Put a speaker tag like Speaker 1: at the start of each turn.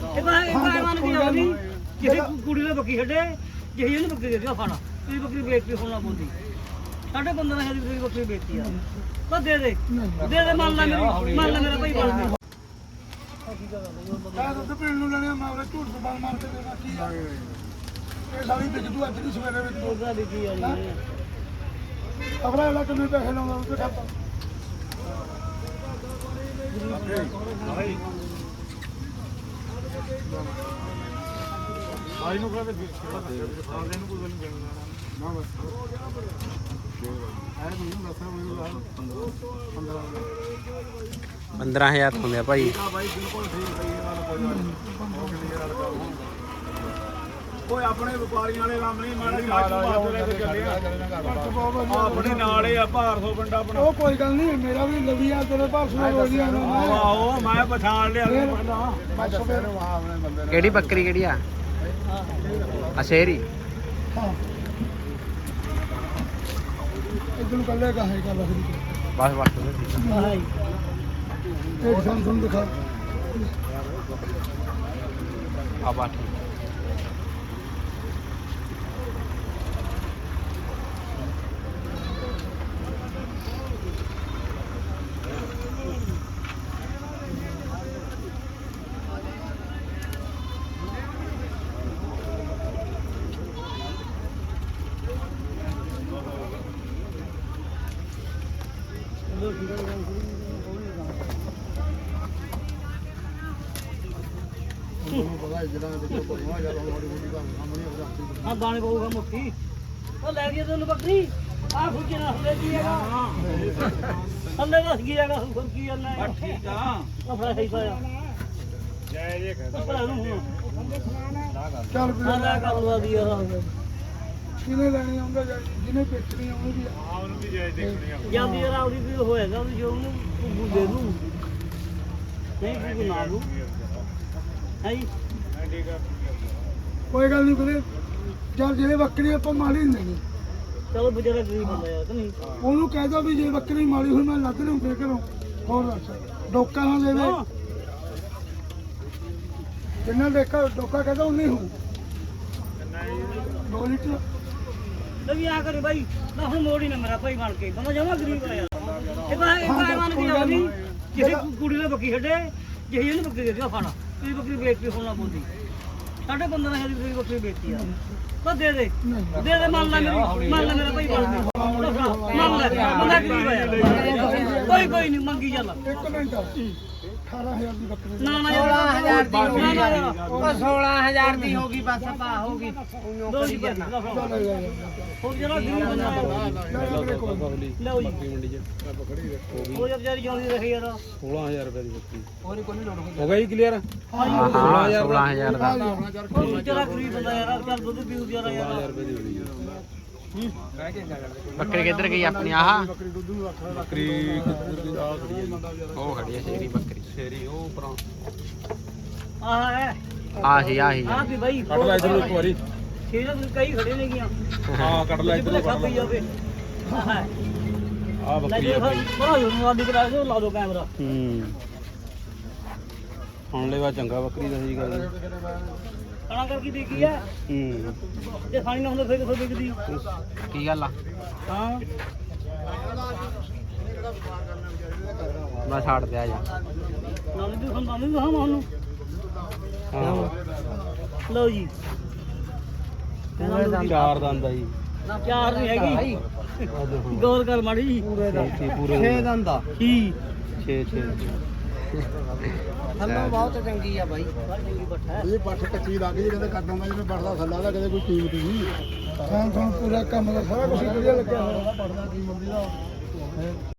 Speaker 1: ਇਹ ਤਾਂ ਮੰਨ ਕੇ ਜਾਓ ਵੀ ਕਿਸੇ ਕੁੜੀ ਨੇ ਬੱਕੀ ਛੱਡੇ ਜਿਹੀ ਇਹਨੂੰ ਬੱਕਰੀ ਦੇ ਦਿਓ ਫਾਣਾ ਤੁਸੀਂ ਬੱਕਰੀ ਵੇਚਤੀ ਹੋਣਾ ਬੋਲਦੀ ਸਾਡੇ 15,000 ਦੀ ਤੁਸੀਂ ਬੱਕਰੀ ਵੇਚਤੀ ਆ ਬਸ ਦੇ ਦੇ ਮੰਨ ਲੈ ਮੇਰਾ ਭਾਈ ਬਣ ਦੇ
Speaker 2: ਮੈਂ ਦੁੱਧ ਪੀਣ ਨੂੰ ਲੈਣੇ ਮੈਂ ਉਹਦੇ ਝੂਠ ਤੋਂ ਮਾਰ ਕੇ ਦੇਣਾ ਕੀ ਆ ਇਹ ਸਾਰੀ ਵਿਕ ਜੂ ਅੱਜ ਦੀ ਸਵੇਰੇ ਵਿੱਚ
Speaker 1: ਦੋਗਾ ਵਿਕੀ ਆ ਜੀ
Speaker 2: ਅਗਲਾ ਇਹਦਾ ਕਿੰਨੇ ਪੈਸੇ ਲਾਉਂਦਾ ਉਹ ਤੇ ਖਾਤਾ
Speaker 3: ਆਈ ਨੂੰ ਕਹਿੰਦੇ ਆਉਂਦੇ ਨੂੰ ਕੋਈ ਨਹੀਂ ਦੇਣਾ ਨਾ ਬਸ ਆਏ ਮੈਨੂੰ ਦੱਸਿਆ ਮੈਨੂੰ
Speaker 4: 15,000 ਹੁੰਦੇ ਆ ਭਾਈ।
Speaker 3: ਹਾਂ ਭਾਈ ਬਿਲਕੁਲ ਠੀਕ ਸਹੀ ਇਹ ਗੱਲ ਕੋਈ ਨਹੀਂ ਓਏ ਆਪਣੇ ਵਪਾਰੀਆਂ ਵਾਲੇ ਕੰਮ ਨਹੀਂ ਮਾੜਾ ਜਿਹਾ ਬਾਤ ਲੈ ਕੇ ਚੱਲੇ ਆ ਆਪਣੇ ਨਾਲ ਹੀ ਆ ਭਾਰਸੋ ਪਿੰਡ ਆਪਣਾ
Speaker 2: ਉਹ ਕੋਈ ਗੱਲ ਨਹੀਂ ਮੇਰਾ ਵੀ ਲਵੀ ਆ ਤੇਰੇ ਭਾਰਸੋ ਰੋਜ਼ੀ ਆਣਾ
Speaker 3: ਆਹੋ ਮੈਂ ਪਛਾਣ ਲਿਆ ਪਹਿਲਾਂ
Speaker 4: ਕਿਹੜੀ ਬੱਕਰੀ ਕਿਹੜੀ ਆ ਸ਼ੇਰੀ
Speaker 2: ਹਾਂ ਇਦੋਂ ਕੱਲੇ ਕਾ ਹੈ ਗੱਲ
Speaker 4: ਬਸ ਬਸ
Speaker 1: ਹਾਂ
Speaker 2: ਇੱਕ ਸੰਸਨ ਦਿਖਾ
Speaker 4: ਆ ਬਾਤ
Speaker 1: ਹਾਂ ਦਾਣੇ ਪਾਊਗਾ ਮੁੱਠੀ ਉਹ ਲੈ ਗਿਆ ਤੈਨੂੰ ਬੱਕਰੀ ਆ ਖੁੱਜੇ ਨਾ ਹੁੰਦੇ ਕੀ ਹੈਗਾ ਥੱਲੇ ਦੱਸ ਕੀ ਹੈਗਾ ਹੋਰ ਕੀ ਕਰਨਾ ਠੀਕ ਆ ਉਹ ਫੜਾ ਸਹੀ ਪਾਇਆ
Speaker 3: ਜੈ ਜੇ
Speaker 1: ਭਰਾ ਨੂੰ ਹੁਣ
Speaker 2: ਚੱਲ
Speaker 1: ਆ ਲੈ ਕਰ ਲਵਾ ਦੀ ਯਾਰ
Speaker 2: ਕਿਨੇ ਲੈਣੀ ਆਉਂਦਾ ਜਿਹਨੇ ਵੇਚਣੀ ਆਉਣੀ ਵੀ
Speaker 3: ਆ ਉਹਨੂੰ ਵੀ ਜੈ ਦੇਖਣੀ ਆ
Speaker 1: ਜਾਂਦੀ ਯਾਰ ਆਉਦੀ ਵੀ ਹੋਏਗਾ ਵੀ ਜੋ ਉਹਨੂੰ ਕੁੱਬੂ ਦੇ ਦੂੰ ਨਹੀਂ ਕੁੱਬੂ ਨਾ ਦੂੰ ਹੈ ਜੀ
Speaker 3: ਠੀਕ ਆ
Speaker 2: ਕੋਈ ਗੱਲ ਨਹੀਂ ਵੀਰੇ ਚੱਲ ਜਿਹੜੇ ਬੱਕਰੀ ਆਪਾਂ ਮਾਰੀ ਨਹੀਂ
Speaker 1: ਚਲੋ ਬੇਚਾਰਾ ਗਰੀਬ ਬੰਦਾ ਯਾਰ ਕਿ ਨਹੀਂ
Speaker 2: ਉਹਨੂੰ ਕਹਿ ਦੋ ਵੀ ਜੇ ਬੱਕਰੀ ਮਾਰੀ ਹੋਈ ਮੈਂ ਲੱਗ ਲੂੰ ਫੇਰ ਕਰੋ ਹੋਰ ਦੱਸ ਡੋਕਾ ਨਾ ਦੇਵੇ ਜਿੰਨਾ ਦੇਖਾ ਡੋਕਾ ਕਹਿੰਦਾ ਉਨੀ ਹੂੰ 2 ਲੀਟਰ
Speaker 1: ਲੈ ਵੀ ਆ ਕਰੇ ਬਾਈ ਨਾ ਹੁਣ ਮੋੜ ਹੀ ਨਾ ਮੇਰਾ ਭਾਈ ਬਣ ਕੇ ਬੰਦਾ ਜਮਾ ਗਰੀਬ ਆ ਯਾਰ ਇਹ ਤਾਂ ਮੰਨ ਕੇ ਜਾਓ ਵੀ ਕਿਸੇ ਕੁੜੀ ਨੇ ਬੱਕੀ ਛੱਡੇ ਜਿਹੀ ਇਹਨੂੰ ਬੱਕਰੀ ਦੇ ਦਿਓ ਫਾਣਾ ਤੁਸੀਂ ਬੱਕਰੀ ਵੇਚਤੀ ਹੋਣਾ ਬੋਲਦੀ ਸਾਡੇ 15,000 ਦੀ ਤੁਸੀਂ ਬੱਕਰੀ ਵੇਚਤੀ ਆ ਬਸ ਦੇ ਮੰਨ ਲੈ ਮੇਰਾ ਭਾਈ ਬਣ ਦੇ ਮੰਨ ਲੈ ਬੰਦਾ ਗਰੀਬ ਆ ਯਾਰ ਕੋਈ ਨਹੀਂ ਮੰਗੀ ਚੱਲ
Speaker 2: 1 ਮਿੰਟ 18000 ਦੀ ਬੱਕਰੀ
Speaker 1: ਨਾ
Speaker 5: 16,000 ਦੀ ਹੋ ਗਈ
Speaker 1: ਨਾ
Speaker 5: ਉਹ 16,000 ਦੀ ਹੋ ਗਈ ਬਸ ਪਾ ਹੋ ਗਈ
Speaker 1: ਦੋ ਹੀ ਕਰਨਾ ਹੋਰ ਜਿਹੜਾ ਗਰੀਬ ਬੰਦਾ ਲਓ ਜੀ ਉਹ ਜਦ ਵਿਚਾਰੀ ਜਿਉਂਦੀ ਰਹੀ ਯਾਰ
Speaker 4: 16,000 ਰੁਪਏ ਦੀ ਬੱਕਰੀ
Speaker 5: ਹੋਰ ਕੋਈ ਲੋੜ
Speaker 4: ਹੋ ਗਿਆ ਜੀ ਕਲੀਅਰ ਹਾਂ 16,000 ਦਾ
Speaker 1: ਉਹ ਵਿਚਾਰਾ ਗਰੀਬ ਬੰਦਾ ਯਾਰ ਚੱਲ ਦੁੱਧ ਪੀਊ ਜਰਾ ਯਾਰ
Speaker 4: ਬੱਕਰੀ ਕਿੱਧਰ ਗਈ ਆਪਣੀ ਆਹ
Speaker 3: ਬੱਕਰੀ ਆ ਖੜੀ
Speaker 4: ਉਹ ਖੜੀ ਹੈ ਸ਼ੇਰੀ ਬੱਕਰੀ
Speaker 3: ਸ਼ੇਰੀ ਉਹ ਪਰਾਂ
Speaker 1: ਆਹ ਹੈ
Speaker 4: ਆਹੀ
Speaker 1: ਆਹ ਵੀ ਬਾਈ
Speaker 3: ਕੱਢ ਲੈ ਇਧਰ ਇੱਕ ਵਾਰੀ
Speaker 1: ਸ਼ੇਰਾਂ ਨੂੰ ਕਈ ਖੜੇ ਨੇ ਗਿਆ
Speaker 3: ਹਾਂ ਕੱਢ ਲੈ ਇਧਰ
Speaker 1: ਖਾ ਪਈ ਜਾਵੇ ਆਹ ਹੈ
Speaker 3: ਆ ਬੱਕਰੀ
Speaker 1: ਲੈ
Speaker 3: ਆ ਭਾਈ
Speaker 1: ਬੜਾ ਜੋਰ ਨਾਲ ਦਿਖ ਰਿਹਾ ਲਾ ਦੋ ਕੈਮਰਾ
Speaker 4: ਹੁਣ ਲੈਵਾ ਚੰਗਾ ਬੱਕਰੀ ਦਾ ਸਹੀ ਗੱਲ
Speaker 1: ਖਾਣਾ ਕਰਕੇ ਦੇਖੀ ਹੈ ਜੇ ਖਾਣੀ ਨਾ ਹੁੰਦਾ ਫਿਰ ਕਿੱਥੋਂ ਵਿਕਦੀ
Speaker 4: ਕੀ ਗੱਲ ਆ
Speaker 1: ਹਾਂ
Speaker 4: ਮੈਂ ਛੱਡ ਦਿਆ ਜਾ
Speaker 1: ਨਾਲ ਵੀ ਖਾਂਦਾ ਨਹੀਂ ਹਾਂ ਮਾਨੂੰ ਲਓ ਜੀ
Speaker 4: ਚਾਰ ਦੰਦ ਆ ਜੀ
Speaker 1: ਚਾਰ ਨਹੀਂ ਹੈਗੀ ਗੌਰ ਕਰ ਮਾੜੀ ਜੀ
Speaker 4: ਪੂਰੇ
Speaker 5: 6 ਦੰਦ ਦਾ
Speaker 1: 6
Speaker 4: 6
Speaker 5: ਥੱਲੋਂ ਬਹੁਤ ਚੰਗੀ ਆ ਬਾਈ
Speaker 2: ਇਹ ਪੱਠ ਕੱਚੀ ਲੱਗ ਗਈ ਕਹਿੰਦੇ ਕੱਟਾਂ ਦਾ ਜਿਵੇਂ ਪੜਦਾ ਥੱਲਾ ਦਾ ਕਦੇ ਕੋਈ ਕੀਮਤ ਨਹੀਂ ਹਾਂ ਪੂਰਾ ਕੰਮ ਦਾ ਸਾਰਾ ਕੁਝ ਵਧੀਆ ਲੱਗਿਆ ਹੋਇਆ ਪੜਦਾ ਕੀਮਤ ਦੀ ਦਾ